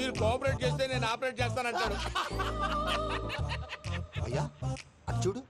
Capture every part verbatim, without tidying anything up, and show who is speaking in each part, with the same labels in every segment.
Speaker 1: మీరు కోఆపరేట్ చేస్తే నేను ఆపరేట్ చేస్తానంటాడు.
Speaker 2: అయ్యా అది చూడు.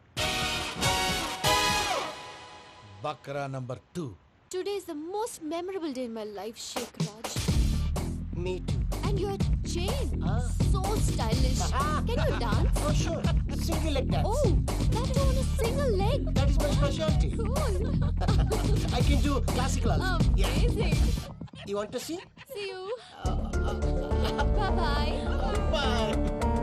Speaker 1: బక్రా number two.
Speaker 3: Today is the most memorable day in my life, Sheikh Raj.
Speaker 2: Me too.
Speaker 3: And your chain, so stylish. Can you dance?
Speaker 2: Oh sure. Single leg dance.
Speaker 3: Oh, that is on a single leg.
Speaker 2: That is my specialty.
Speaker 3: Cool.
Speaker 2: I can do classical also.
Speaker 3: Amazing.
Speaker 2: You want to see?
Speaker 3: See you. Bye bye.
Speaker 2: Bye.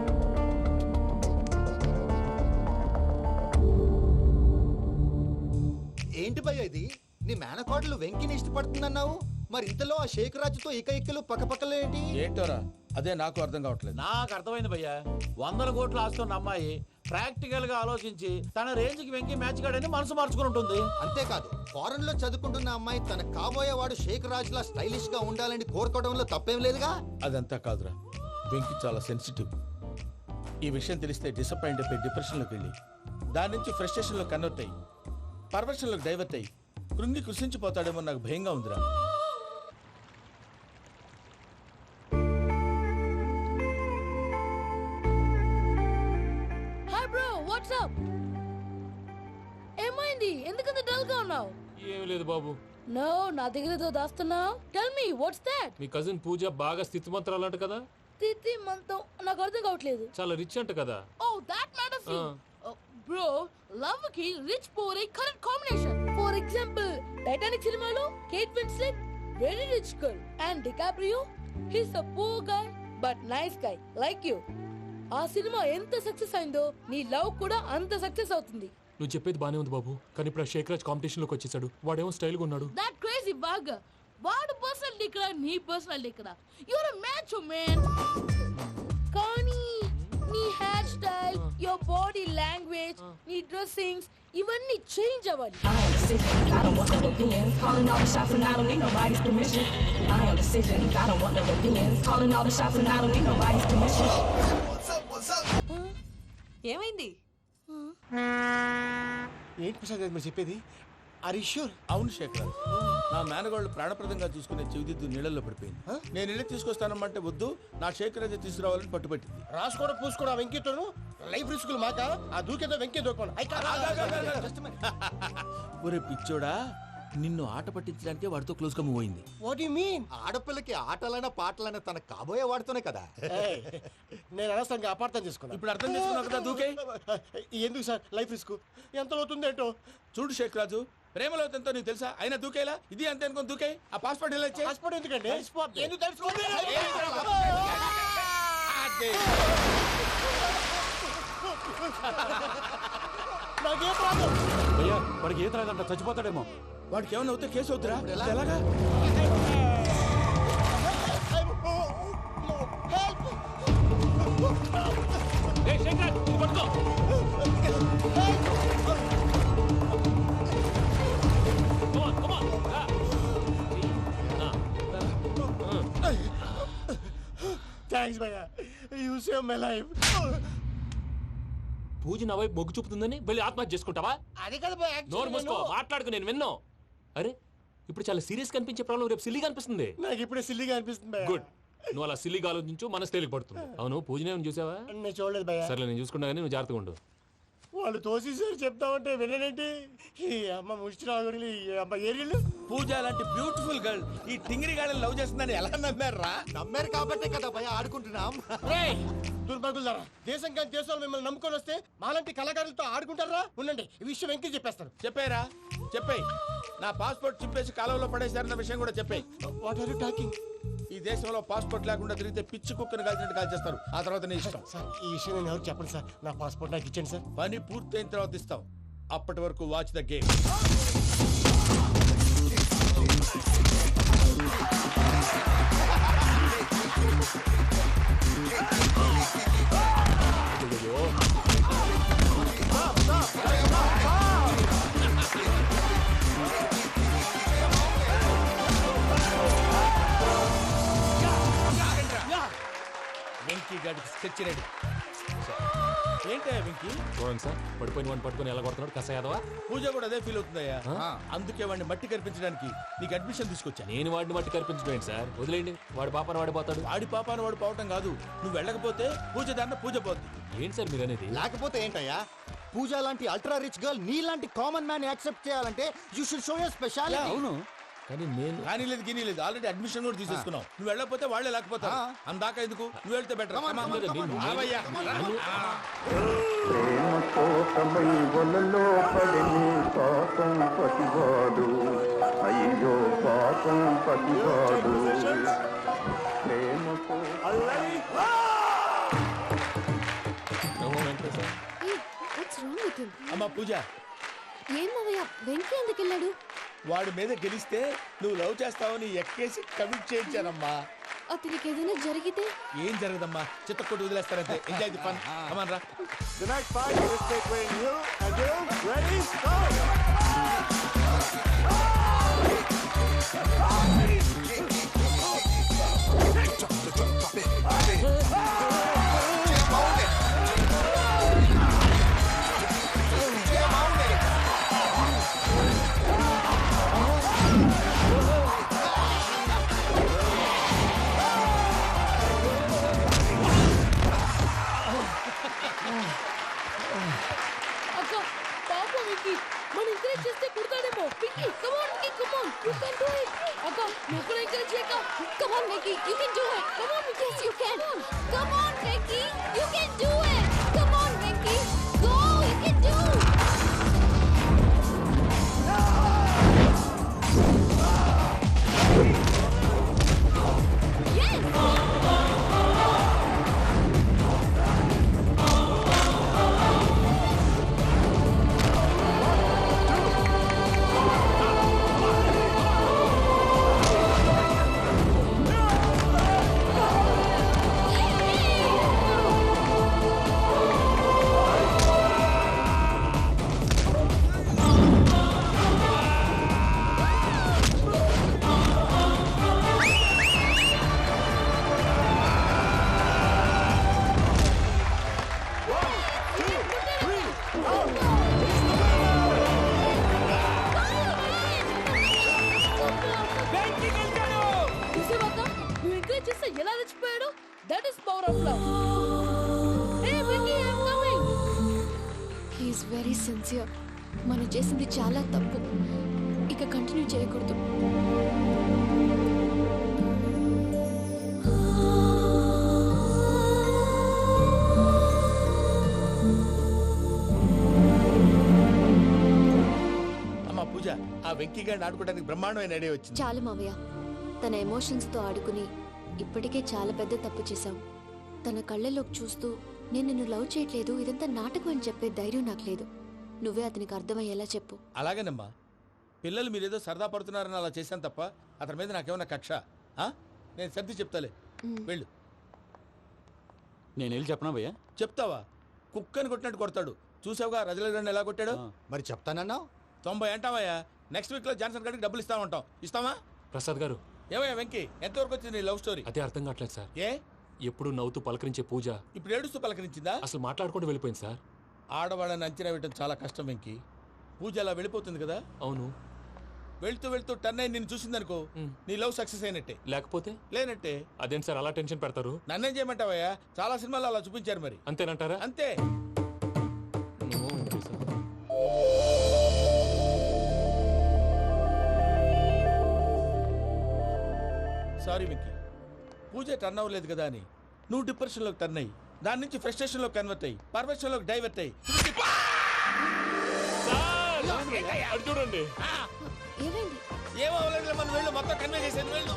Speaker 2: ఏంటి భయ్య ఇది? నీ మేనకోడలు వెంకిని ఇష్టపడుతుందన్నావు, మరి ఇంతలో ఆ షేక్ రాజుతో ఇక ఇక్కలు పక్కపక్కలు ఏంటి?
Speaker 1: ఏంటోరా అదే నాకు అర్థం కావట్లేదు.
Speaker 4: నాకు అర్థమైంది భయ్యా, వందల కోట్లు ఆస్తున్న అమ్మాయి ప్రాక్టికల్ గా ఆలోచించి తన రేంజ్ కి వెంకి మ్యాచ్ కాడని మనసు మార్చుకుని ఉంటుంది.
Speaker 2: అంతేకాదు, ఫారెన్ లో చదువుకుంటున్న అమ్మాయి తన కాబోయేవాడు షేక్ రాజ్ లా స్టైలిష్ గా ఉండాలని కోరుకోవడంలో తప్పేం లేదుగా.
Speaker 1: అదంతా కాదురా, వెంకి చాలా సెన్సిటివ్. ఈ విషయం తెలిస్తే డిసప్పాయింట్ అయిపోయి డిప్రెషన్లోకి వెళ్ళి దాని నుంచి ఫ్రస్ట్రేషన్లో కన్వర్ట్ అయ్యి పర్వర్షన్లోకి డైవర్ట్ అయ్యి కృంగి కృషించిపోతాడేమో నాకు భయంగా ఉందిరా.
Speaker 5: Hi bro, what's up? ఏమైంది, ఎందుకంత డల్ గా ఉన్నావు?
Speaker 6: ఏం లేదు బాబు.
Speaker 5: నో, నా దగ్గర ఏదో దాస్తున్నావు. Tell me what's that?
Speaker 6: మీ కజిన్ పూజ బాగా స్థితి మంత్రాలు అంట కదా.
Speaker 5: తిత్తి మంతం నాకు అర్థం కావట్లేదు.
Speaker 6: చాలా రిచ్ అంట కదా.
Speaker 5: Oh that matters bro. Love కి rich poor correct combination. For example Titanic సినిమాలో Kate Winslet very rich girl and DiCaprio he's a poor guy but nice guy like you. ఆ సినిమా ఎంత సక్సెస్ అయిందో నీ లవ్ కూడా అంత సక్సెస్ అవుతుంది.
Speaker 6: నువ్వు చెప్పేది బానే ఉంది బాబు, కానీ ఇప్పుడు షేక్ రాజ్ కాంపిటీషన్ లోకి వచ్చేసాడు. వాడేమో స్టైల్ గా ఉన్నాడు.
Speaker 5: That crazy bag. వాడు పర్సనల్ ఇక్కడ, నీ పర్సనల్ ఇక్కడ. You're a match man. కానీ నీ hair style, your body language, నీ డ్రెస్సింగ్స్ ఇవన్నీ చేంజ్ అవ్వాలి.
Speaker 7: I am decision, I don't want no opinions. Calling all the shots and I don't need nobody's permission. I am decision, I don't want no opinions. Calling all the shots and I don't need nobody's permission.
Speaker 5: ఏమైంది?
Speaker 2: ఏంటి ప్రసాద్ మీరు చెప్పేది? Are you sure?
Speaker 1: అవును శేఖర్, నా మేనగోళ్ళు ప్రాణప్రదంగా చూసుకునే చెవిదిద్దు నీళ్ళల్లో పడిపోయింది. నేను ఇల్లు తీసుకొస్తానమ్మంటే వద్దు, నా శేఖర్ అయితే తీసుకురావాలని పట్టుబట్టింది.
Speaker 2: రాసుకోవడం పూసుకోవడం వెంకీతోను లైఫ్ రిస్కులు మాక. ఆ దూకేదో వెంకీ దూకోను.
Speaker 1: ఒరే పిచ్చోడా, నిన్ను ఆట పట్టించడానికి వాడితో క్లోజ్ గా మూవ్ అయింది.
Speaker 2: What you mean? ఆడపిల్లకి ఆటలైనా పాటలైనా తన కాబోయే వాడుతూనే కదా. నేను అనవసరంగా అపార్థం చేసుకున్నా.
Speaker 1: ఇప్పుడు అర్థం చేసుకున్నావు కదా, దూకే.
Speaker 2: ఎందుకు సార్ లైఫ్ రిస్క్? ఎంత అవుతుంది ఏంటో
Speaker 1: చూడు షేక్ రాజు, ప్రేమలో ఎంతో నీకు తెలుసా? అయినా దూకేలా? ఇది అంతే అనుకుని దూకే. ఆ పాస్పోర్ట్ ఎలా ఇచ్చే?
Speaker 2: పాస్పోర్ట్ ఎందుకండి? ఎందుకు తెలుసుకోండి? నాకేం ప్రాబ్లం?
Speaker 4: భయ్యా, వాడికి ఈత రాదంట, చచ్చిపోతాడేమో.
Speaker 1: వాడికి ఏమైనా అవుతే కేసు అవుతురా? ఎలాగా?
Speaker 6: ఏయ్ షేక్ రాజ్, ఇది పట్టుకో. Come on, come on. రా. ఆ,
Speaker 2: థ్యాంక్స్ భయ్యా, you save my life.
Speaker 6: Pooja నా వైపు మొగ్గు చూపుతుందని వెళ్ళి ఆత్మహత్య చేసుకుంటావా?
Speaker 2: అది కదా భయ్యా.
Speaker 6: నోరు మూసుకో, మాట్లాడుకు, నేను విన్నో. అరే ఇప్పుడు చాలా సీరియస్ కనిపించే ప్రాబ్లం రేపు సిల్లీగా అనిపిస్తుంది.
Speaker 2: నాకు ఇప్పుడే సిల్లీగా అనిపిస్తుంది భయ్యా.
Speaker 6: గుడ్, నువ్వు అలా సిల్లీగా ఆలోచించు, మనసు తేలిక పడుతుంది. అవును, పూజనే చూసావా?
Speaker 2: నేను చూడలేదు భయ్యా.
Speaker 6: సర్లే, నేను చూసుకున్నా కానీ నువ్వు జాగ్రత్తగా ఉండు.
Speaker 2: వాళ్ళు తోసేసారు చెప్తామంటే విననేంటి? ఈ అమ్మ ముష్టి రాగుడి అమ్మ ఏరియలు.
Speaker 1: పూజ లాంటి బ్యూటిఫుల్ గర్ల్ ఈ టింగిరి గాడిని లవ్ చేస్తుందని ఎలా నమ్మారా?
Speaker 2: నమ్మారు కాబట్టే కదా భయ ఆడుకుంటున్నాం. దుర్భగులారా, దేశం కానీ దేశాలు మిమ్మల్ని నమ్ముకొని వస్తే మాలాంటి కళాకారులతో ఆడుకుంటారా? ఉండండి, ఈ విషయం వెంకీ చెప్పేస్తారు.
Speaker 1: చెప్పారా? చెప్పేయ్. నా పాస్పోర్ట్ చింపేసి కాలంలో పడేశారన్న విషయం కూడా చెప్పేయ్.
Speaker 2: What are you talking?
Speaker 1: ఈ దేశంలో పాస్పోర్ట్ లేకుండా తిరిగితే పిచ్చి కుక్కను కాల్చినట్టు కాల్చేస్తారు. ఆ తర్వాత నీ ఇష్టం.
Speaker 2: సార్, ఈ విషయం నేను ఎవరు చెప్పండి సార్. నా పాస్పోర్ట్ నాకు ఇచ్చండి సార్.
Speaker 1: పని పూర్తయిన తర్వాత ఇస్తాం. అప్పటి వరకు వాచ్ ద గేమ్. వెంకీ గాడికి స్కెచ్ రెడీ. ఏంటయ్యా వెంకీ
Speaker 6: చూడండి సార్ పడిపోయిన వాడిని పట్టుకొని ఎలా కొడుతున్నాడు కసయాదవా.
Speaker 1: పూజ కూడా అదే ఫీల్ అవుతుందయ్యా. అందుకే వాడిని మట్టి కనిపించడానికి నీకు అడ్మిషన్ తీసుకొచ్చా.
Speaker 6: నేను వాడిని మట్టి కనిపించడం సార్, వదిలేండి. వాడి పాపను వాడిపోతాడు.
Speaker 1: వాడి పాపాను వాడు పోవటం కాదు, నువ్వు వెళ్ళకపోతే పూజ దాన్న పూజ పోద్ది.
Speaker 6: ఏంటి సార్ మీరు అనేది?
Speaker 2: లేకపోతే ఏంటయ్యా, పూజ లాంటి అల్ట్రా రిచ్ గర్ల్ నీ లాంటి కామన్ మ్యాన్ యాక్సెప్ట్ చేయాలంటే you should show your speciality.
Speaker 1: అవును,
Speaker 6: కానీ నేను
Speaker 1: కానీ లేదు గిని లేదు, ఆల్రెడీ అడ్మిషన్ కూడా తీసేసుకున్నావు. నువ్వు వెళ్ళకపోతే వాళ్ళే లేకపోతే అందాక ఎందుకు, నువ్వు వెళ్తే బెటర్.
Speaker 8: ప్రేమ కోసమై వలలో పడిని పాపం పతివాడు, అయ్యో పాపం పతివాడు. ప్రేమ
Speaker 3: Hey, what's wrong with him?
Speaker 1: అమ్మా పూజ,
Speaker 3: ఏం మావయ్య వెంకీ ఎందుకు వెళ్ళాడు?
Speaker 1: వాడి మీద గెలిస్తే నువ్వు లవ్ చేస్తావని ఎక్కేసి కమిట్ చేయించానమ్మా.
Speaker 3: అతనికి ఏదైనా జరిగితే?
Speaker 1: ఏం జరగదమ్మా, చిత్త కొట్టి వదిలేస్తారంటే. Enjoy the fun. కమాన్ రా.
Speaker 2: The next fight is between you and you. Ready? Go!
Speaker 5: అక్క పాప వెంకీ మన ఎంకరేజ్ చేస్తే పుడతాడేమో. Venky come on Venky, come on, you can do it. అక్క నువ్వు కూడా ఎంకరేజ్ చేయక.
Speaker 3: Come on, Vicky, you can do it. Come on, Vicky, yes, you can. Come on, Vicky, you can do it. Come on, Vicky, go, you can do it. Yes.
Speaker 5: చూసావా నువ్వు encourage చేస్తే ఎలా రెచ్చిపోయాడు? That is power of love. Hey Venky, I am coming.
Speaker 3: He is very sincere. మనం చేసింది చాలా తప్పు, ఇక కంటిన్యూ చేయకూడదు.
Speaker 1: అమ్మా పూజ, ఆ వెంకీ గారిని ఆడుకోవడానికి బ్రహ్మాండమైన ఐడియా వచ్చింది.
Speaker 3: చాలు మావయ్య, తన ఎమోషన్స్ తో ఆడుకుని ఇప్పటికే చాలా పెద్ద తప్పు చేశావు. తన కళ్ళలోకి చూస్తూ నేను నిన్ను లవ్ చేయట్లేదు, ఇదంతా నాటకం అని చెప్పే ధైర్యం నాకు లేదు. నువ్వే అతనికి అర్థమయ్యేలా చెప్పు.
Speaker 1: అలాగేనమ్మా, పిల్లలు మీరేదో సరదా పడుతున్నారని అలా చేశాను తప్ప అతని మీద నాకేమన్నా కక్ష? ఆ? నేను సర్ది చెప్తాలే, వెళ్ళు.
Speaker 9: నేను వెళ్ళి చెప్పనా భయ్యా?
Speaker 1: చెప్తావా? కుక్కని కొట్టినట్టు కొడతాడు. చూసావుగా రజల గారిని ఎలా కొట్టాడు?
Speaker 2: మరి చెప్తానన్నా?
Speaker 1: తొంభై అంటావయ్యా. నెక్స్ట్ వీక్ లో జాన్సన్ గారికి డబ్బులు ఇస్తా ఉంటాం. ఇస్తావా?
Speaker 6: ప్రసాద్ గారు,
Speaker 1: ఏమయ్యా వెంకీ, ఎంతవరకు వచ్చింది నీ లవ్ స్టోరీ?
Speaker 6: అదే అర్థం కావట్లేదు సార్.
Speaker 1: ఏ
Speaker 6: ఎప్పుడు నవ్వుతూ పలకరించే పూజ
Speaker 1: ఇప్పుడు ఏడుస్తూ పలకరించిందా?
Speaker 6: అసలు మాట్లాడుకుంటూ వెళ్ళిపోయింది సార్.
Speaker 1: ఆడవాళ్ళని అంచనా వేయడం చాలా కష్టం వెంకీ. పూజ అలా వెళ్ళిపోతుంది కదా.
Speaker 6: అవును.
Speaker 1: వెళ్తూ వెళ్తూ టర్న్ అయి నిన్ను చూసిందనుకో, నీ లవ్ సక్సెస్ అయినట్టే.
Speaker 6: లేకపోతే
Speaker 1: లేనట్టే.
Speaker 6: అదేం సార్ అలా టెన్షన్ పెడతారు?
Speaker 1: నన్నేం చేయమంటావయ్యా, చాలా సినిమాలు అలా చూపించారు మరి.
Speaker 6: అంతేనంటారా?
Speaker 1: అంతే.
Speaker 6: ఏమో, okay sir.
Speaker 1: Sorry Venky, Pooja turn అవ్వలేదు కదా అని నువ్వు డిప్రెషన్ లోకి టర్న్ అయ్యి దాని నుంచి ఫ్రస్ట్రేషన్ లో కన్వర్ట్ అయ్యి పర్వర్షన్ లోకి డైవర్ట్ అయ్యి.
Speaker 6: అది చూడండి.
Speaker 3: ఏమైంది?
Speaker 1: ఏమో అవ్వలేదు, మనం వెళ్ళు, మొత్తం కన్వే చేసేది వెళ్ళు.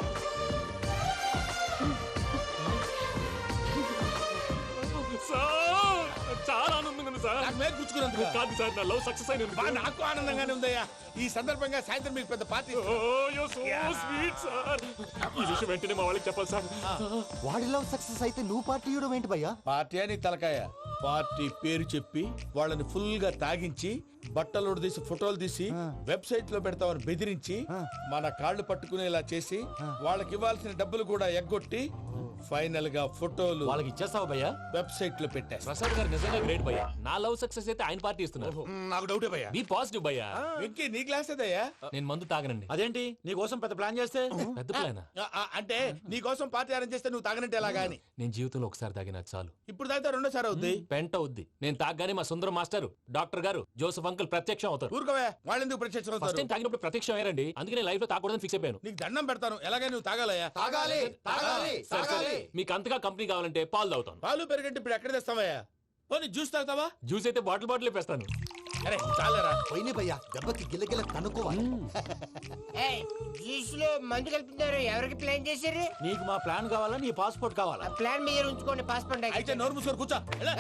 Speaker 6: సార్ చాలా ఆనందంగా ఉంది సార్.
Speaker 1: నాకు మీద గుచ్చుకున్నందుకు
Speaker 6: కాదు సార్, నా లవ్ సక్సెస్ అయినందుకు.
Speaker 1: బా, నాకు ఆనందంగానే ఉందయ్యా. ఈ సందర్భంగా సాయంత్రం మీకు పెద్ద party.
Speaker 6: Oh so sweet sir. ఈ విషయం వెంటనే మా వాళ్ళకి చెప్పాలి సార్.
Speaker 2: వాడి లవ్ సక్సెస్ అయితే నువ్వు పార్టీ ఇవ్వడం ఏంటి భయ్యా?
Speaker 1: పార్టీ అని తలకాయ. పార్టీ పేరు చెప్పి వాళ్ళని ఫుల్ గా తాగించి బట్టలు తీసి ఫోటోలు తీసి వెబ్సైట్ లో పెడతామని బెదిరించి మన కాళ్ళు పట్టుకునేలా చేసి వాళ్ళకి ఇవ్వాల్సిన డబ్బులు కూడా ఎగ్గొట్టి ఫైనల్ గా ఫోటోలు
Speaker 6: వాళ్ళకి ఇచ్చేస్తావా భయ్యా?
Speaker 1: వెబ్సైట్ లో పెట్టేస్తా.
Speaker 6: ప్రసాద్ గారు నిజంగా గ్రేట్ భయ్యా. నా లవ్ సక్సెస్ అయితే ఆయన పార్టీ ఇస్తున్నారు.
Speaker 1: నాకు డౌటే భయ్యా.
Speaker 6: బీ పాజిటివ్ భయ్యా.
Speaker 1: వెంకీ నీ క్లాస్ ఏదయ్యా?
Speaker 6: నేను మందు తాగనండి.
Speaker 4: అదేంటి నీ కోసం పెద్ద ప్లాన్ చేస్తే?
Speaker 6: పెద్ద ప్లానా?
Speaker 1: ఆ, ఆ, అంటే నీ కోసం పార్టీ అరేంజ్ చేస్తే నువ్వు తాగనంటే ఎలాగా అని.
Speaker 6: నేను జీవితంలో ఒకసారి తాగినా చాలు.
Speaker 1: ఇప్పుడు తాగితే రెండోసారి అవుద్ది.
Speaker 6: పెంట అవుద్ది. నేను తాగగానే మా సుందరం మాస్టర్, డాక్టర్ గారు, జోసఫ్ అంకుల్ ప్రత్యక్షం అవుతారు.
Speaker 1: ఊరుకోవే, వాళ్ళు ఎందుకు ప్రత్యక్షం
Speaker 6: ఫస్ట్
Speaker 1: అవుతారు?
Speaker 6: టైం తాగినప్పుడు ప్రత్యక్షం అయ్యారండి. అందుకే నేను లైఫ్ లో తాగకూడదని ఫిక్స్ అయిపోయాను.
Speaker 1: నీకు దండం పెడతాను, ఎలాగే నువ్వు తాగాలయ్యా.
Speaker 2: తాగాలి తాగాలి
Speaker 6: సరే, సరే. మీకు అంతగా కంపెనీ కావాలంటే పాలు తాగుతాను.
Speaker 1: పాలు పెరిగంటే ఇప్పుడు ఎక్కడ తెస్తావయ్యా? పోనీ జ్యూస్ తాగుతావా?
Speaker 6: జ్యూస్ అయితే బాటిల్ బాటిల్ వేస్తాను.
Speaker 1: అరే చాలరా.
Speaker 2: పోయిన భయ్యా దెబ్బకి గిల్లగిల్ల కనుక్కోవాలి.
Speaker 9: జ్యూస్ లో మందు కలుపుతున్నారు. ఎవరికి ప్లాన్ చేశారు?
Speaker 4: నీకు మా ప్లాన్ కావాలా, నీ పాస్పోర్ట్ కావాలా?
Speaker 9: ప్లాన్ మీరు ఉంచుకోండి, పాస్పోర్ట్
Speaker 1: అయితే నోరు మూసుకొని కూర్చో. ఎలా?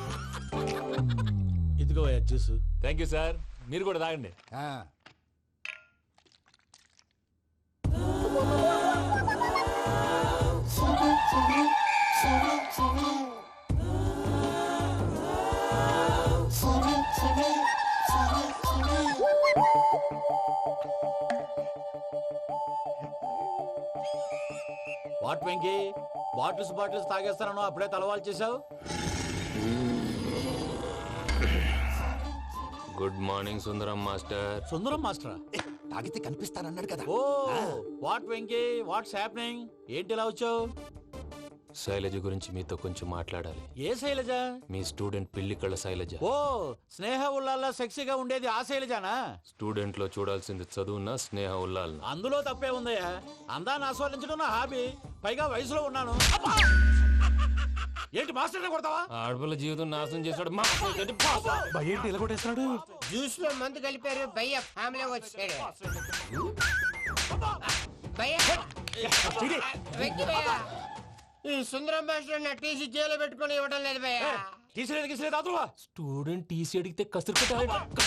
Speaker 1: ఇదిగోయ్యా జ్యూస్.
Speaker 6: Thank you sir. మీరు కూడా తాగండి.
Speaker 4: వాట్ వెంకీ, బాటిల్స్ బాటిల్స్ తాగేస్తానో అప్పుడే తలవాలు చేసావు.
Speaker 6: Good morning Sundaram master.
Speaker 4: Sundaram మాస్టరా?
Speaker 2: తాగితే కనిపిస్తానన్నాడు కదా.
Speaker 4: Oh what Venky, what's happening? ఏంటి ఇలా వచ్చావు?
Speaker 6: శైలజ గురించి మీతో కొంచెం మాట్లాడాలి.
Speaker 4: ఏ శైలజ?
Speaker 6: మీ స్టూడెంట్ పిల్లి కళ్ళ శైలజ.
Speaker 4: ఓ స్నేహ ఉల్లాల్లో సెక్సీగా ఉండేది ఆ శైలజానా?
Speaker 6: స్టూడెంట్ లో చూడాల్సింది చదువున్న స్నేహ ఉల్లాల్.
Speaker 4: అందులో తప్పే ఉందయ్యా. అందాన్ని ఆస్వాదించడం నా హాబీ. పైగా వయసులో ఉన్నాను. ఏంటి మాస్టర్ కొడతావా?
Speaker 6: ఆడపిల్ల జీవితం నాశనం చేశాడు.
Speaker 4: ఏంటి ఇలా కొట్టేస్తున్నాడు?
Speaker 9: జ్యూస్ లో మందు కలిపారు. భయ్య ఫ్యామిలీ వచ్చాడు. భయ్య వెంకీ భయ్య, ఈ సుందరం మాస్టర్ నా టీసీ జైల్లో పెట్టుకొని ఇవ్వడం లేదు భయ్య.
Speaker 4: తీసిలేదు గీసిలేదు అదువా.
Speaker 6: స్టూడెంట్ టీసీ అడిగితే కసురుకుంటాడు.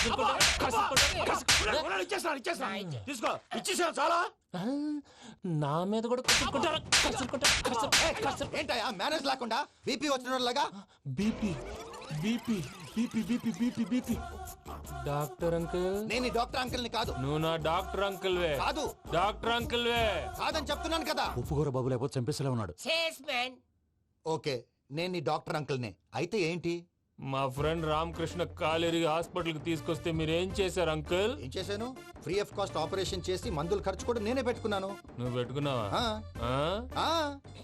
Speaker 4: ఇచ్చేస్తాను ఇచ్చేస్తాను తీసుకో. ఇచ్చేసాను చాలా.
Speaker 6: నా మీద కూడా కసురుకుంటారా?
Speaker 2: ఏంటయ్యా మేనేజ్ లేకుండా బీపీ వచ్చిన లాగా?
Speaker 6: BP BP BP BP BP BP. Doctor uncle,
Speaker 2: నేను డాక్టర్ అంకుల్ ని కాదు.
Speaker 6: నువ్వు నా డాక్టర్ అంకుల్ వే.
Speaker 2: కాదు
Speaker 6: డాక్టర్ అంకుల్ వే.
Speaker 2: కాదని చెప్తున్నాను కదా.
Speaker 4: ఉప్పుకూర బాబు లేకపోతే చంపేసేలా ఉన్నాడు.
Speaker 9: Sales man.
Speaker 2: ఓకే నేను నీ డాక్టర్ అంకుల్ నే. అయితే ఏంటి?
Speaker 6: మా ఫ్రెండ్ రామకృష్ణ కాలేరికి హాస్పిటల్ కి తీసుకొస్తే మీరు ఏం చేశారు అంకుల్?
Speaker 2: ఏం చేశాను? ఫ్రీ ఆఫ్ కాస్ట్ ఆపరేషన్ చేసి మందులు ఖర్చు కూడా నేనే పెట్టుకున్నాను.
Speaker 6: నువ్వు పెట్టుకున్నావా?
Speaker 2: ఆ,
Speaker 6: ఆ?
Speaker 2: ఆ.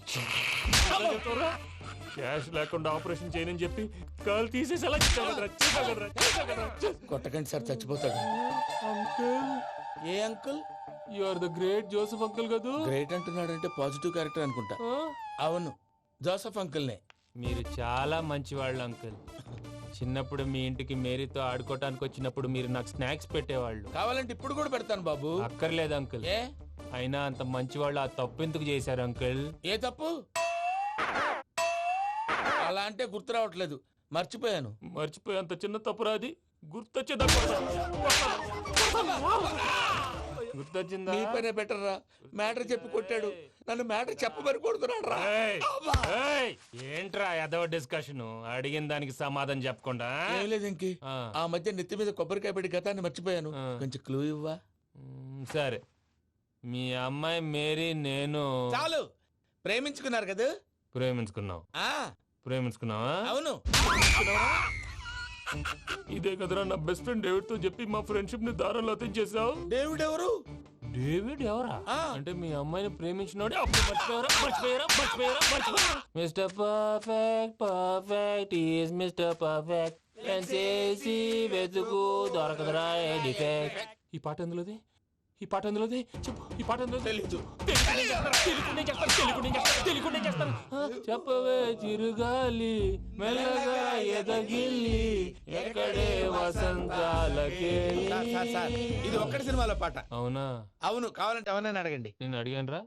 Speaker 6: క్యాష్ లేకుండా ఆపరేషన్ చేయనని చెప్పి కాల్ తీసేసి ఎలా
Speaker 1: కొట్టకండి సార్, చచ్చిపోతాడు.
Speaker 6: అంకుల్,
Speaker 1: ఏ uncle?
Speaker 6: You are the great Joseph uncle కదా?
Speaker 1: గ్రేట్ అంటున్నాడంటే పాజిటివ్ క్యారెక్టర్ అనుకుంటా. అవును, జోసఫ్ అంకుల్నే.
Speaker 6: మీరు చాలా మంచివాళ్ళు అంకుల్. చిన్నప్పుడు మీ ఇంటికి మేరీతో ఆడుకోవటానికి వచ్చినప్పుడు మీరు నాకు స్నాక్స్ పెట్టేవాళ్ళు.
Speaker 1: కావాలంటే ఇప్పుడు కూడా పెడతాను బాబు.
Speaker 6: అక్కర్లేదు అంకుల్.
Speaker 1: ఏ
Speaker 6: అయినా అంత మంచివాళ్ళు ఆ తప్పు ఎందుకు చేశారు అంకుల్?
Speaker 1: ఏ తప్పు? అలా అంటే గుర్తు రావట్లేదు, మర్చిపోయాను.
Speaker 6: మర్చిపోయి అంత చిన్న తప్పు రాది గుర్తొచ్చే గుర్తొచ్చిందా?
Speaker 1: మీ పనే బెటర్ రా. మ్యాటర్ చెప్పి కొట్టాడు, నన్ను మ్యాటర్ చెప్పమని కొడుతున్నాడు రా.
Speaker 6: ఏయ్, ఏయ్, ఏంట్రా ఎదవ డిస్కషన్? అడిగిన దానికి సమాధానం చెప్పకుండా?
Speaker 1: ఏం లేదు ఇంకి.
Speaker 6: ఆ.
Speaker 1: ఆ మధ్య నెత్తి మీద కొబ్బరికాయ పెట్టి గతాన్ని మర్చిపోయాను.
Speaker 6: ఆ.
Speaker 1: కొంచెం క్లూ ఇవ్వా?
Speaker 6: మ్, సరే. మీ అమ్మాయి మేరీ నేను
Speaker 1: చాలు, ప్రేమించుకున్నారు కదా?
Speaker 6: ప్రేమించుకున్నావు.
Speaker 1: ఆ
Speaker 6: ప్రేమించుకున్నావా?
Speaker 1: అవును.
Speaker 6: ఇదే కదరా నా బెస్ట్ ఫ్రెండ్ డేవిడ్ తో చెప్పి మా ఫ్రెండ్షిప్ ని దారంలో తెచ్చేసావు.
Speaker 1: డేవిడ్ ఎవరు?
Speaker 6: డేవిడ్ ఎవరా?
Speaker 1: ఆ.
Speaker 6: అంటే మీ అమ్మాయిని ప్రేమించినోడే అప్పుడు మర్చిపోయారా? మర్చిపోయారా? మర్చిపోయారా? మర్చిపోయారా? Mister perfect perfect is mister perfect చేసి వెతుకు దొరకదురా డిఫెక్ట్. ఈ పాట ఎందులోది? ఈ పాట ఎందులోది? చెప్పు. ఈ పాట ఎందులో?
Speaker 1: తెలీదు.
Speaker 6: చెప్పవే చిరుగాలి మెల్లగా ఎదగిల్లి ఎక్కడే వసంతాలకే.
Speaker 1: సార్, సార్, ఇది ఒక్కటి సినిమాలో పాట.
Speaker 6: అవునా?
Speaker 1: అవును, కావాలంటే ఎవరైనా అడగండి.
Speaker 6: నేను అడిగాను రా.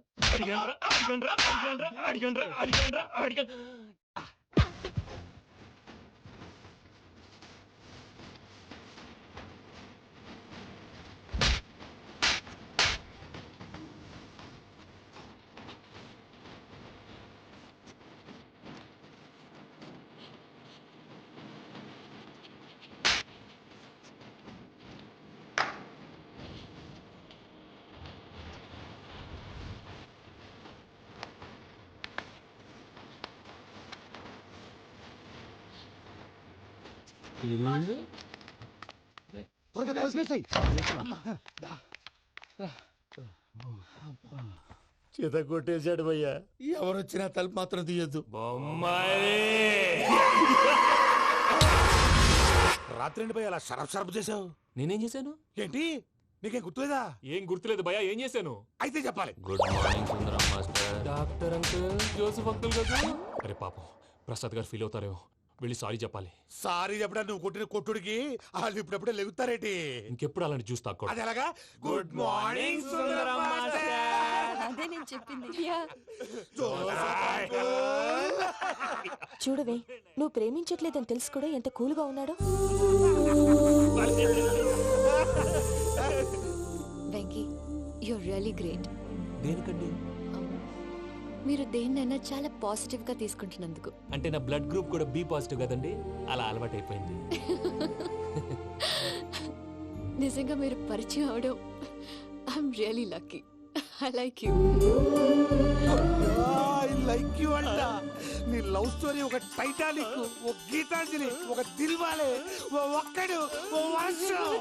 Speaker 1: చేత కొట్టేశాడు భయ్యా. ఎవరు వచ్చినా తలుపు మాత్రం తీయద్దు.
Speaker 10: రాత్రి ఎండి పోయి అలా షరఫ్ షరఫ్ చేసావు.
Speaker 6: నేనేం చేశాను?
Speaker 10: ఏంటి నీకేం గుర్తులేదా?
Speaker 6: ఏం గుర్తులేదు భయ్యా, ఏం చేశాను?
Speaker 10: అయితే చెప్పాలి.
Speaker 6: Good morning Sundaram master. Doctor uncle, Joseph uncle కదా. అరే పాపం, ప్రసాద్ గారు ఫీల్ అవుతారేమో, వెళ్ళి సారీ చెప్పాలి.
Speaker 10: సారీ చెప్పడా నువ్వు కొట్టిన కొట్టుడికి వాళ్ళు ఇప్పుడప్పుడే లెగుతారేటి?
Speaker 6: ఇంకెప్పుడు అలాంటి జ్యూస్ తాక్కూడదు.
Speaker 10: అది ఎలాగా? Good morning Sundaram master.
Speaker 3: అదే నేను చెప్పింది.
Speaker 11: చూడవే, నువ్వు ప్రేమించట్లేదని తెలుసు కూడా ఎంత కూల్గా ఉన్నాడో.
Speaker 3: Venky, you're really great.
Speaker 6: దేనికండి?
Speaker 3: మీరు దేన్నైనా చాలా పాజిటివ్ గా తీసుకుంటున్నందుకు.
Speaker 6: అంటే నా బ్లడ్ గ్రూప్ కూడా బి పాజిటివ్ కదండి, అలా అలవాటు అయిపోయింది.
Speaker 3: నిజంగా మీరు పరిచయం అవడం I'm really lucky. I like you.
Speaker 10: I like you అంట. నీ లవ్ స్టోరీ ఒక టైటానిక్, ఒక గీతాంజలి, ఒక దిల్వాలే, ఓ ఒక్కడు, ఓ వర్షం.